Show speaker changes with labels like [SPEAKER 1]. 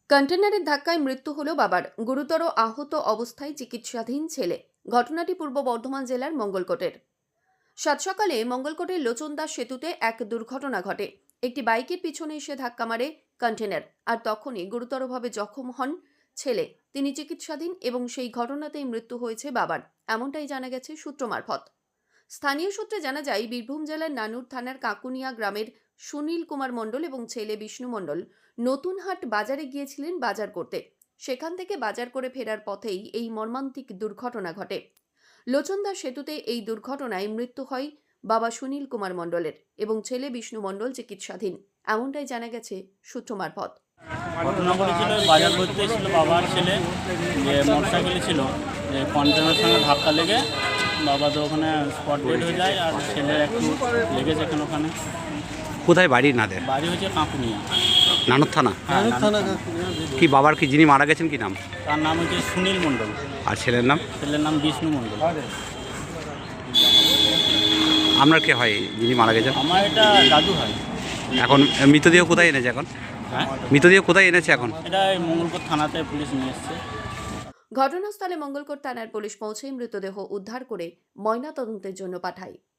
[SPEAKER 1] কন্টেনারের ধাক্কায় মৃত্যু হলো বাবার। গুরুতর আহত অবস্থায় চিকিৎসাধীন ছেলে। ঘটনাটি পূর্ব বর্ধমান জেলার মঙ্গলকোটের। সাত সকালে মঙ্গলকোটের লোচনদাস সেতুতে এক দুর্ঘটনা ঘটে। একটি বাইকের পিছনে এসে ধাক্কা মারে কন্টেনার, আর তখনই গুরুতরভাবে জখম হন ছেলে। তিনি চিকিৎসাধীন এবং সেই ঘটনাতেই মৃত্যু হয়েছে বাবার, এমনটাই জানা গেছে সূত্র মারফত। স্থানীয় সূত্রে জানা যায়, বীরভূম জেলার নানুর থানার কাকুনিয়া গ্রামের সুনীল কুমার মণ্ডল এবং ছেলে বিষ্ণু মণ্ডল নতুনহাট বাজারে গিয়েছিলেন বাজার করতে। সেখান থেকে বাজার করে ফেরার পথেই এই মর্মান্তিক দুর্ঘটনা ঘটে। লোচনদাস সেতুতে এই দুর্ঘটনায় মৃত্যু হয় বাবা সুনীল কুমার মণ্ডলের এবং ছেলে বিষ্ণু মণ্ডল চিকিৎসাধীন, এমনটাই জানা গেছে সূত্র মারফত।
[SPEAKER 2] ঘটনা ঘটেছিল বাজার করতে ছিল বাবার ছেলে, যে মোটরসাইকেলে ছিল, যে কন্টেনারের সঙ্গে ধাক্কা লেগে বাবা তো ওখানে স্পট ডেড হয়ে যায়, আর ছেলের একটু লেগেছে কেন ওখানে।
[SPEAKER 3] কোথায় বাড়ি নাদের?
[SPEAKER 2] বাড়ি হচ্ছে কাকুনিয়া,
[SPEAKER 3] নানুর থানা।
[SPEAKER 2] হ্যাঁ,
[SPEAKER 3] কি বাবার কি যিনি মারা গেছেন কি নাম?
[SPEAKER 2] তার নাম হচ্ছে সুনীল মণ্ডল,
[SPEAKER 3] আর ছেলের নাম?
[SPEAKER 2] ছেলের নাম বিষ্ণু মণ্ডল।
[SPEAKER 3] আপনার কে হয় যিনি মারা গেছেন?
[SPEAKER 2] আমার এটা দাদু হয়।
[SPEAKER 3] এখন মৃতদেহ কোথায় এনেছে এখন?
[SPEAKER 2] হ্যাঁ,
[SPEAKER 3] মৃতদেহ কোথায় এনেছে এখন?
[SPEAKER 2] এটা এই মঙ্গলকোট থানাতে পুলিশ নিয়ে এসছে।
[SPEAKER 1] ঘটনাস্থলে মঙ্গলকোট থানার পুলিশ পৌঁছে মৃতদেহ উদ্ধার করে ময়নাতদন্তের জন্য পাঠায়।